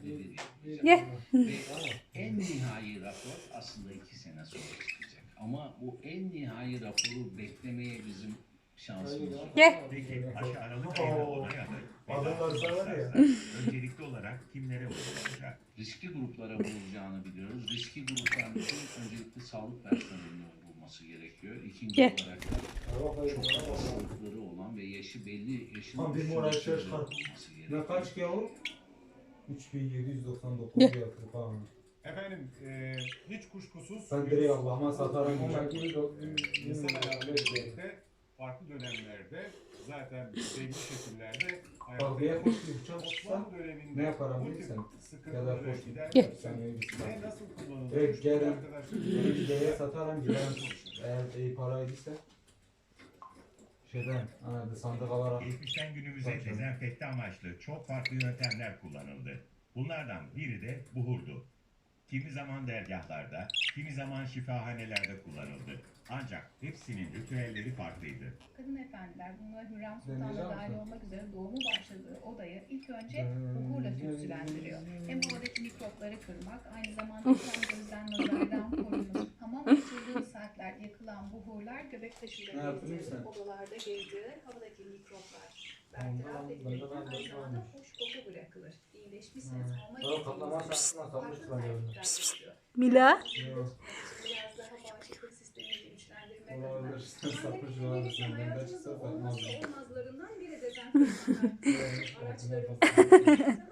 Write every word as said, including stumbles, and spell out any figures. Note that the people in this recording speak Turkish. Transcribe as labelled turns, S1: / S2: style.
S1: Ye.
S2: Ve en nihai rapor aslında iki sene sonra çıkacak. Ama bu en nihai raporu beklemeye bizim şansımız yok.
S1: Ye.
S3: Peki aşı Aralık ayında onay alır.
S4: Adamlar sana ya.
S3: Öncelikli olarak kimlere uygulanacak?
S2: Riskli gruplara vurulacağını biliyoruz. Riskli grupların için öncelikle sağlık personelinin vurulması gerekiyor. İkinci
S1: Ye.
S2: olarak da çok hastalıkları olan ve yaşı belli yaşın
S4: Tam bir
S2: üstünde
S4: moral
S2: kişilerin
S4: çıkar.
S2: vurulması gerekiyor.
S4: Ne kaç ki o? üç bin yedi yüz doksan dokuz
S1: Ye.
S4: yatırı falan.
S5: Efendim e, hiç kuşkusuz
S4: Ben direkt Allah'ıma satarım.
S5: insan hayatıyla birlikte farklı dönemlerde zaten belli şekillerde
S4: Bak bir
S5: hayatta
S4: koş bir bıçak tutsa
S5: Osmanlı döneminde
S4: ne yaparım
S5: bu
S4: bilirsen.
S5: tip
S4: Ya da
S5: sıkıntıları
S4: koş.
S5: gidermek
S4: Sen
S5: için
S4: iyi bir
S5: ne nasıl kullanılır?
S4: Evet, gelin.
S5: Arkadaşlar
S4: Gideye satarım giderim. Eğer iyi paraydıysa. Şeyden, hani sandık alarak.
S3: Geçmişten günümüze dezenfekte amaçlı çok farklı yöntemler kullanıldı. Bunlardan biri de buhurdu. Kimi zaman dergahlarda, kimi zaman şifahanelerde kullanıldı. Ancak hepsinin ritüelleri farklıydı.
S6: Kadın efendiler, bunlar Hürrem Sultan
S4: Deneyeceğim
S6: da dahil
S4: misin?
S6: olmak üzere doğumu başladığı odayı ilk önce buhurla tütsülendiriyor. Hem havadaki mikropları kırmak, aynı zamanda hem gözden nazardan korumak. Hamam açıldığı saatler yakılan buhurlar göbek
S4: Ne
S6: taşıyla
S4: yaptın
S6: gezdiği,
S4: sen?
S6: odalarda gezdiği havadaki mikroplar bertaraf
S4: Ondan-
S6: edilirken
S4: ondan-
S6: aynı zamanda
S4: ondan-
S6: hoş koku bırakılır. İyileşmişsiniz,
S4: Hmm.
S6: hamama
S4: Tamam, kaplama
S6: gittiğinizde
S4: şansına kalmış
S6: farklı
S4: bence öyle.
S6: tercihler yapıyor.
S1: Mila.
S6: Biraz daha bağışıklık sistemini güçlendirmek adına.
S4: Olabilir. Sapıcı var mısın? Ben de çıksa
S6: Hayatımızın
S4: bakmaz.
S6: olmazsa olmazlarından biri dezenfektanlar.
S4: Evet,
S6: Araçlarımız,
S4: evet.